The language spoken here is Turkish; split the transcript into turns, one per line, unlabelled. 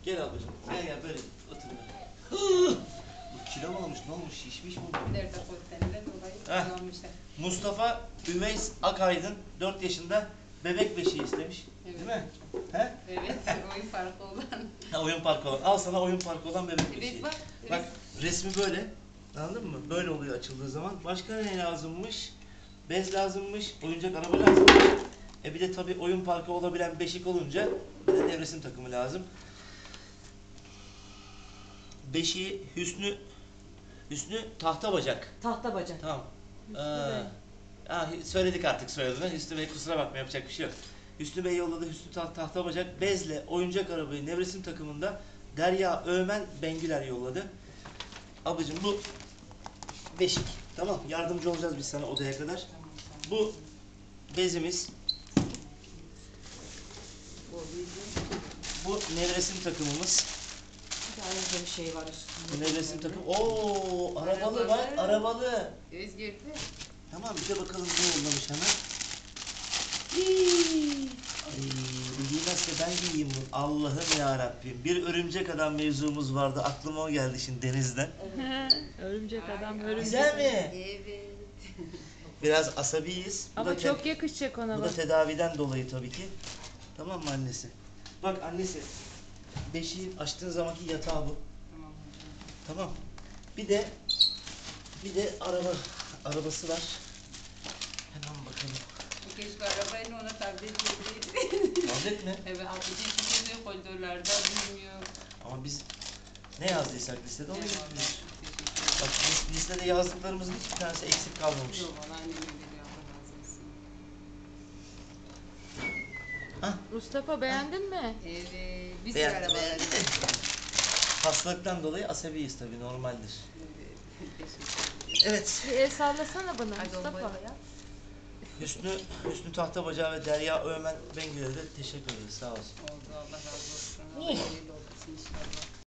Gel ablacığım. Gel gel böyle otur böyle. Bu kilo mu olmuş? Ne olmuş? Şişmiş mi bu?
Nerede koyduğundan dolayı
Heh.
kullanmışlar.
Mustafa Üveys Akaydın 4 yaşında bebek beşiği istemiş.
Evet.
Değil mi? He?
Evet, oyun farkı olan.
Ha, oyun parkı olan. Al sana oyun parkı olan bebek beşiği.
Evet bak.
Bak resmi böyle. Anladın mı? Böyle oluyor açıldığı zaman. Başka ne lazımmış? Bez lazımmış. Oyuncak araba lazımmış. Bir de tabii oyun parkı olabilen beşik olunca bir de nevresim takımı lazım. Beşiği Hüsnü tahta bacak.
Tahta bacak.
Tamam.
Hüsnü Bey.
Söyledik artık soyadını. Hüsnü Bey kusura bakma yapacak bir şey yok. Hüsnü Bey yolladı. Hüsnü tahta bacak. Bezle oyuncak arabayı nevresim takımında Derya Öğmen Bengüler yolladı. Ablacığım bu beşik. Tamam. Yardımcı olacağız biz sana odaya kadar. Bu bezimiz. Bu nevresim takımımız.
Bir de ayrıca bir şey var üstünde.
Bu nevresim takım. Oo, arabalı bak, arabalı.
Özgür'de.
Tamam bir de bakalım ne yollamış hemen. Bu giymezse ben giyeyim bunu. Allah'ım ya Rabbim. Bir örümcek adam mevzumuz vardı. Aklıma o geldi şimdi Deniz'den.
Örümcek adam,
Ay,
örümcek.
Güzel mi?
Evet.
Biraz asabiyiz. Bu
Ama
da
çok yakışacak ona
bu da
bak.
tedaviden dolayı tabii ki. Tamam mı annesi? Bak annesi. Beşiği açtığın zamanki yatağı bu.
Tamam hocam.
Tamam. Bir de arabası var. Hemen bakalım.
Keşke arabayla ona tablet verseydi.
Tablet mi?
Evet, abici çıkıyor koridorlarda bilmiyor.
Ama biz ne yazdıysak listede onu
Eyvallah.
getiriyoruz.
Teşekkür
Bak listede yazdıklarımızın hiçbir tanesi eksik kalmamış.
ederim. Yok, valla annem öyle diyor. Allah razı olsun.
Hah,
Mustafa beğendin mi?
Evet. Bir sürü
beğendim,
araba
beğendim.
var.
Hastalıktan dolayı asabiyiz tabii normaldir.
Evet. Teşekkür ederim.
Evet.
Bir el sallasana bana
Hadi
Mustafa.
olmadı ya.
Hüsnü Tahtabacağı ve Derya Öğmen Bengüler'e de teşekkür ederiz. Sağ olsun.
Oldu, Allah razı olsun. Allah hayırlı olsun inşallah.